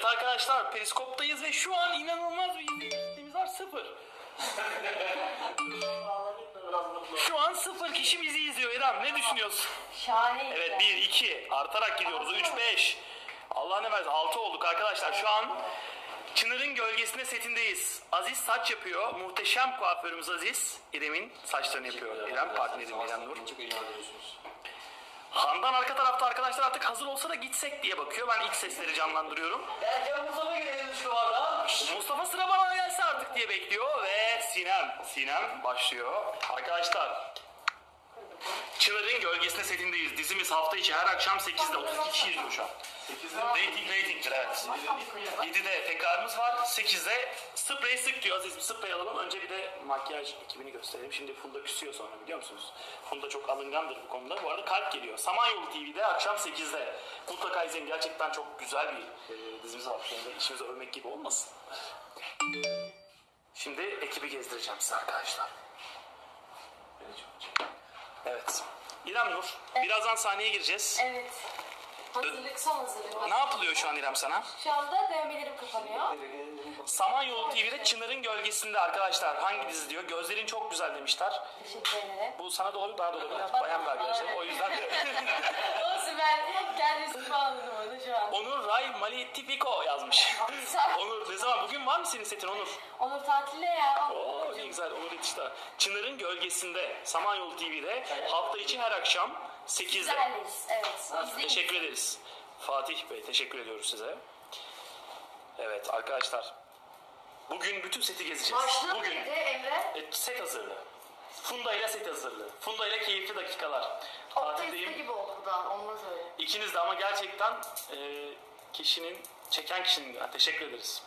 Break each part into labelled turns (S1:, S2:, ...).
S1: Evet arkadaşlar, Periskop'tayız ve şu an inanılmaz bir izleyicimiz var, 0. Şu an 0 kişi bizi izliyor. İrem, ne düşünüyorsun?
S2: Şahane.
S1: Evet, 1, 2 artarak gidiyoruz. 3, 5. Allah ne versin, 6 olduk arkadaşlar. Şu an Çınar'ın gölgesinde setindeyiz. Aziz saç yapıyor. Muhteşem kuaförümüz Aziz. İrem'in saçlarını yapıyor. İrem partnerim, İrem Nur. Handan arka tarafta arkadaşlar, artık hazır olsa da gitsek diye bakıyor. Ben ilk sesleri canlandırıyorum.
S3: Erken Mustafa gelelim şu anda.
S1: Mustafa sıra bana gelse artık diye bekliyor ve Sinem başlıyor. Arkadaşlar, Çınar'ın gölgesinde setindeyiz. Dizimiz hafta içi her akşam 8'de 32 kişi izliyor şu an. 8'de ratingdir evet. 7'de tekrarımız var. 8'de sprey sık diyor. Aziz bir sprey alalım. Önce bir de makyaj ekibini gösterelim. Şimdi Funda küsüyor sonra, biliyor musunuz? Funda çok alıngandır bu konuda. Bu arada kalp geliyor. Samanyolu TV'de akşam 8'de. Mutlaka izleyin. Gerçekten çok güzel bir dizimiz var. Şimdi işimizi övmek gibi olmasın. Şimdi ekibi gezdireceğim size arkadaşlar. Evet. İrem Nur, birazdan sahneye gireceğiz.
S2: Evet. Hazırlık, son hazırlık.
S1: Ne yapılıyor şu an İrem sana?
S2: Şu anda dövmelerim kapanıyor.
S1: Samanyolu TV'de Çınar'ın gölgesinde arkadaşlar. Hangi dizi diyor? Gözlerin çok güzel demişler.
S2: Teşekkür ederim.
S1: Bu sana da olabilir, bana da olabilir. Bayan bir arkadaşlar. O yüzden
S2: Olsun, ben kendi üstüme anladım onu şu an.
S1: Onur Ray Malitifiko yazmış. Onur ne zaman? Bugün var mı senin setin Onur?
S2: Onur tatilde ya.
S1: Oo ne güzel, Onur yetişti. Çınar'ın gölgesinde Samanyolu TV'de hafta içi her akşam 8'de.
S2: Güzelliyiz, evet. İzleyin.
S1: Teşekkür ederiz. Fatih Bey, teşekkür ediyoruz size. Evet arkadaşlar, bugün bütün seti gezeceğiz.
S2: Başlığı
S1: Bugün
S2: neydi Emre?
S1: set hazırlığı. Funda ile set hazırlığı. Funda ile keyifli dakikalar.
S2: Oktay'ın
S1: Tatildeyim.
S2: gibi oldu bu da, olmaz öyle.
S1: İkiniz de ama gerçekten çeken kişinin, teşekkür ederiz.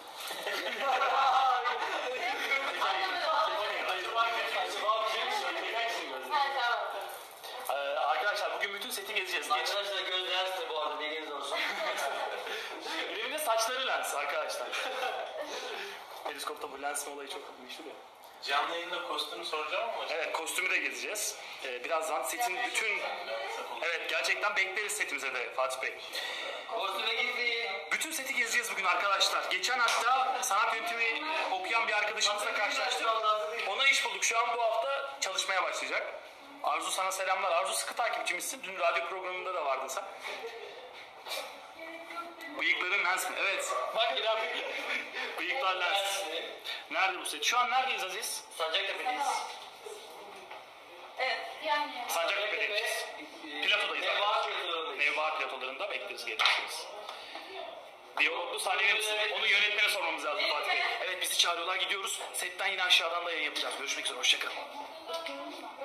S1: Arkadaşlar bugün bütün seti gezeceğiz.
S3: Arkadaşlar göz lensli bu arada, bilginiz olsun.
S1: Benim de saçları lens arkadaşlar. Periskopta bu lens olayı çok meşhur ya.
S4: Canlı yayında kostümü soracağım ama.
S1: Evet, kostümü de gezeceğiz. Birazdan setin bütün... Evet, gerçekten bekleriz setimize de Fatih Bey.
S3: Kostüme gitsin.
S1: Bütün seti gezeceğiz bugün arkadaşlar. Geçen hafta sanat yönetimi okuyan bir arkadaşımızla karşılaştık. Ona iş bulduk. Şu an bu hafta çalışmaya başlayacak. Arzu, sana selamlar. Arzu sıkı takipçimizsin. Dün radyo programında da vardın sen. Bıyıkların lens mi? Evet. Bak İrem. Bıyıklar lens. Nerede bu set? Şu an neredeyiz Aziz?
S3: Sancaktepe'deyiz.
S2: Evet, yani.
S1: Sancaktepe'deyiz. Platodayız. Nevbahat platolarında bekleriz, gelirsiniz. Diyaloglu sahnelerimiz. Onu yönetmene sormamız lazım Fatih Bey. Evet, bizi çağırıyorlar, gidiyoruz. Setten yine aşağıdan da yayın yapacağız. Görüşmek üzere, hoşçakalın.